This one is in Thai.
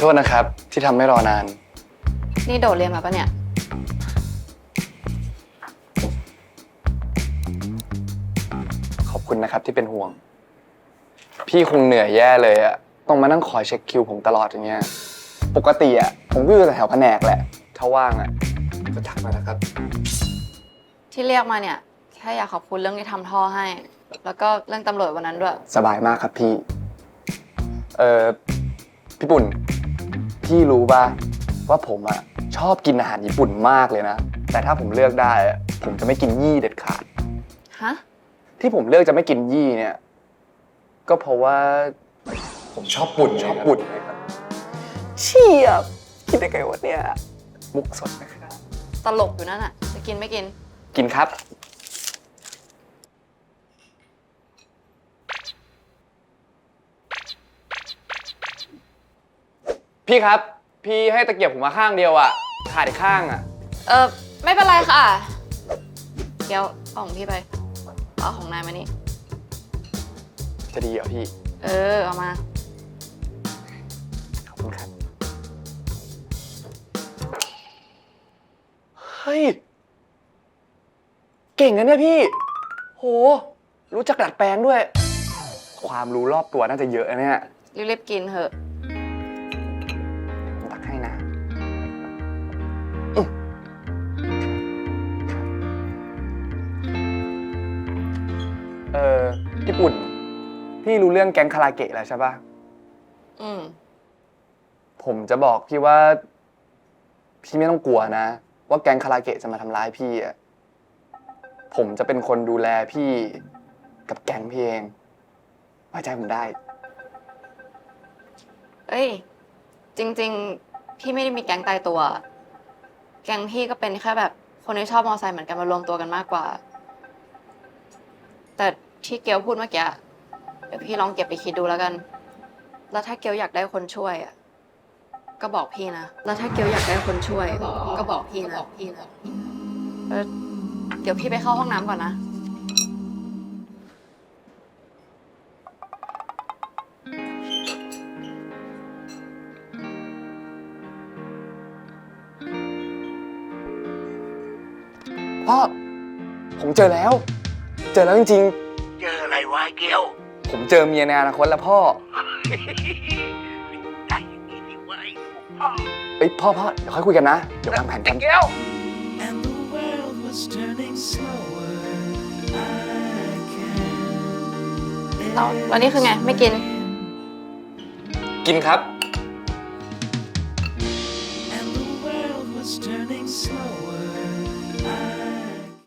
โทษนะครับที่ทำให้รอนานนี่โดดเรียนมาปะเนี่ยขอบคุณนะครับที่เป็นห่วงพี่คงเหนื่อยแย่เลยอะต้องมานั่งคอยเช็คคิวผมตลอดอย่างเงี้ยปกติอะผมก็อยู่แถวแผนกแหละถ้าว่างอะก็ทักมานะครับที่เรียกมาเนี่ยแค่อยากขอบคุณเรื่องที่ทำท่อให้ แล้วก็เรื่องตำรวจวันนั้นด้วยสบายมากครับพี่พี่ปุ่นพี่รู้ป่ะว่าผมอะชอบกินอาหารญี่ปุ่นมากเลยนะแต่ถ้าผมเลือกได้ผมจะไม่กินยี่เด็ดขาดฮะที่ผมเลือกจะไม่กินยี่เนี่ยก็เพราะว่าผมชอบปุ่นนะครับเชี่ยคิดได้ไงวะเนี่ยมุกสดนะครับตลกอยู่นั่นอะจะกินไม่กินกินครับพี่ครับพี่ให้ตะเกียบผมมาข้างเดียวอะขาดอีกข้างอะไม่เป็นไรค่ะเดี๋ยวเอาของพี่ไปเอาของนายมานี่จะดีเหรอพี่เอามาขอบคุณครับเฮ้ยเก่งนะเนี่ยพี่โหรู้จักดัดแปลงด้วยความรู้รอบตัวน่าจะเยอะนะเนี่ยรีบๆกินเถอะตักให้นะญี่ปุ่นพี่รู้เรื่องแก๊งคาราเกะแล้วใช่ปะผมจะบอกพี่ว่าพี่ไม่ต้องกลัวนะว่าแก๊งคาราเกะจะมาทำร้ายพี่อ่ะผมจะเป็นคนดูแลพี่กับแก๊งพี่เองไว้ใจผมได้จริงๆพี่ไม่ได้มีแก๊งตายตัวแก๊งพี่ก็เป็นแค่แบบคนที่ชอบมอไซค์เหมือนกันมารวมตัวกันมากกว่าแต่ที่เกียวพูดเมื่อกี้เดี๋ยวพี่ลองเก็บไปคิดดูแล้วกันแล้วถ้าเกียวอยากได้คนช่วยก็บอกพี่นะแล้วถ้าเกียวอยากได้คนช่วยก็บอกพี่นะเดี๋ยวพี่ไปเข้าห้องน้ำก่อนนะพ่อผมเจอแล้วจริงๆเจออะไรวะเกียวผมเจอเมียในอนาคตแล้วพ่อได้อย่างนี้ดิวะพ่อพ่อเดี๋ยวค่อยคุยกันนะเดี๋ยววางแผนกันเกียวแล้วนี่คือไงไม่กินกินครับ And the world was turning slower